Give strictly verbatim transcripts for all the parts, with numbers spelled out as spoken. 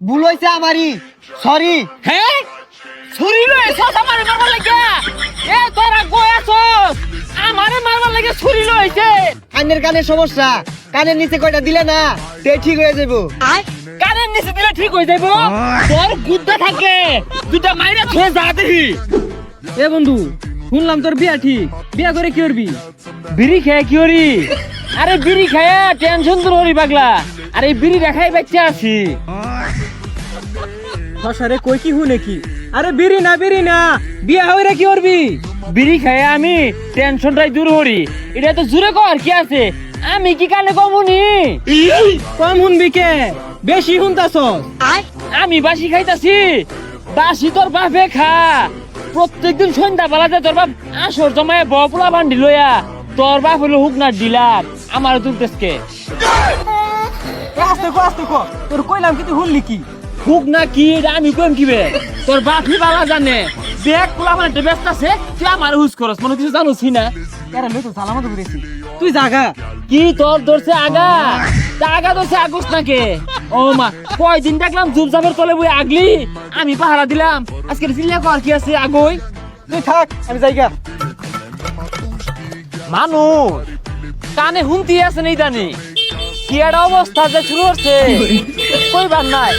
ভুল হইছে আমারই, সরি। হ্যাঁ ছুরি লয়ে এসছ আমারে মারবার লাগে। এ তোরা গোয়াছস আমারে মারবার লাগে ছুরি লইছে। কানের কানের সমস্যা, কানের নিচে কয়টা দিলে না তে ঠিক হয়ে যাবো। কানের নিচে দিলে ঠিক হয়ে যাইব। তোর গুদ্দা থাকে দুটা মাইরা ছুঁয়ে যা দেখি। এ বন্ধু শুনলাম তোর বিয়া ঠিক, বিয়া করে কি করবি? বিড়ি খেয়ে কি করি? আরে বিড়ি খেয়ে টেনশন দূর করি পাগলা। আরে বিড়ি দেখাই বাচ্চা আছি। ফসারে কই কি হু নাকি? আরে বিড়ি না বিড়ি না, বিয়া হইরা কি করবি? বিড়ি খেয়ে আমি টেনশনটাই দূর করি। এটা তো জুড়ে কর কি আছে, আমি কি কানে কমুনি? কম শুনবি কে, বেশি শুনতাছস। আমি বাসি খাইতাছি, বাসি তোর বাপে খা। প্রত্যেকদিন সন্ধ্যা বেলাতে তোর বাপ আসর জমায় বপুলা বান্ডি লইয়া তোর বাপ হলো হুকনার ডিলার আমার দুলতেসকে। আস্তে কো আস্তে কো, তোর কইলাম কি তুই শুনলি কি? হুক না কি এটা আমি কইম কিবে? তোর বাপই বালা জানে। দেখ পোলা মানে ব্যস্ত আছে, তুই আমার হুস করস মনে কিছু জানোসি না। এরা লই তো সালামত করেছি, তুই জাগা। কি তোর ধরছে আগা? তা আগা ধরছে আগস নাকে? ও মা কয়দিন দেখলাম জুবজাবের তলে বই আগলি, আমি পাহারা দিলাম। আজকে চিল্লা কর কি আছে আগই? তুই থাক আমি যাইগা। মানুষ কানে হুমতি আছে নেই জানি কি একটা অবস্থা যে শুরু হচ্ছে কইবার নাই।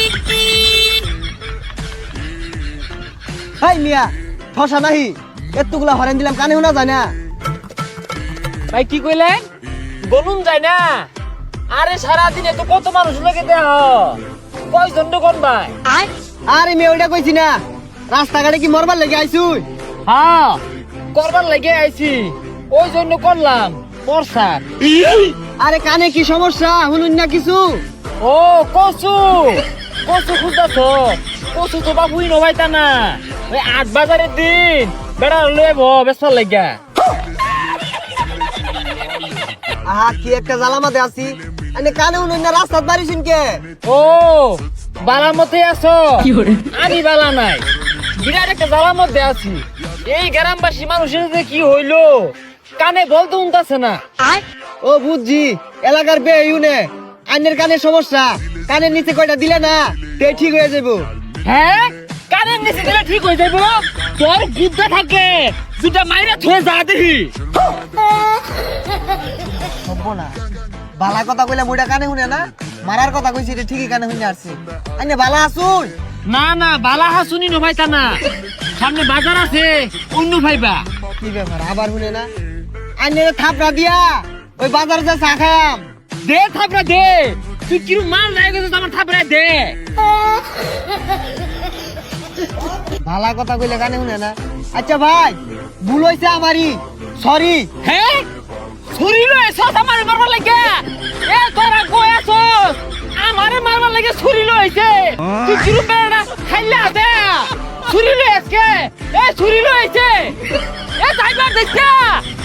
হাই মিয়া, ঠসা নাহি, এতগুলা হরেন দিলাম কানে শোনা যায় না। ভাই কি কইলেন? বলুন যায় না? আরে সারাদিনে তো কত মানুষ লাগে দেহ, কয়জন কোন ভাই? আরে মেয়ে ওইটা কইছি না, রাস্তাঘাটে কি মরবার লেগে আইছুই? হ্যাঁ করবার লাগে আইছি, ওই জন্য করলাম বর্ষার। আরে কানে কি সমস্যা শুনুন না কিছু? ও কচু কচু খুঁজতেছ? কচু তো বাবুই নবাইতা না, ওই আট বাজারের দিন বেড়া লইব বেসার লাগা। আহা কি একটা জ্বালামাতে আছি, আনে কানে শুনুন না রাস্তাত বাড়িছুন কে? ও বালার মধ্যে আছো? আমি বালা নাই, বিরাট একটা জ্বালার মধ্যে আছি। এই গ্রামবাসী মানুষের যে কি হইলো কানে বলতে উনতাছে না। ও বুঝছি, এলাকার বে ইউনে আইনের কানের সমস্যা, কানের নিচে কয়টা দিলে না তে ঠিক হয়ে যাবো। হ্যাঁ কানের নিচে দিলে ঠিক হয়ে যাইব। তোর গুদ্দা থাকে দুটা মাইরা ছুঁয়ে যা দেখি। হবো না, বালা কথা কইলে মুইটা কানে শুনে না, মারার কথা কইছি এটা ঠিকই কানে শুনে আসছে। আইনে বালা আসুন। না না বালা হাসুনি নভাইতা না, সামনে বাজার আছে অন্য ভাইবা। কি ব্যাপার আবার শুনে না? আইনে থাপড়া দিয়া ওই বাজারে যা চা খায়াম। দে থাপড়া দে, তুই কিরু মাল নাই গেছিস আমার থাপড়া দে। ভালা কথা কইলে কানে শুনে না। আচ্ছা ভাই ভুল হইছে আমারই, সরি। হ্যাঁ ছুরি লয়ে এসছ আমারে মারবার লাগে। এ তোরা গোয়াছস আমারে মারবার লাগে ছুরি লইছে। তুই কিরু বেড়া খাইলা দে ছুরি লয়ে আজকে। এ ছুরি লইছে, এ যাইবার দেখছা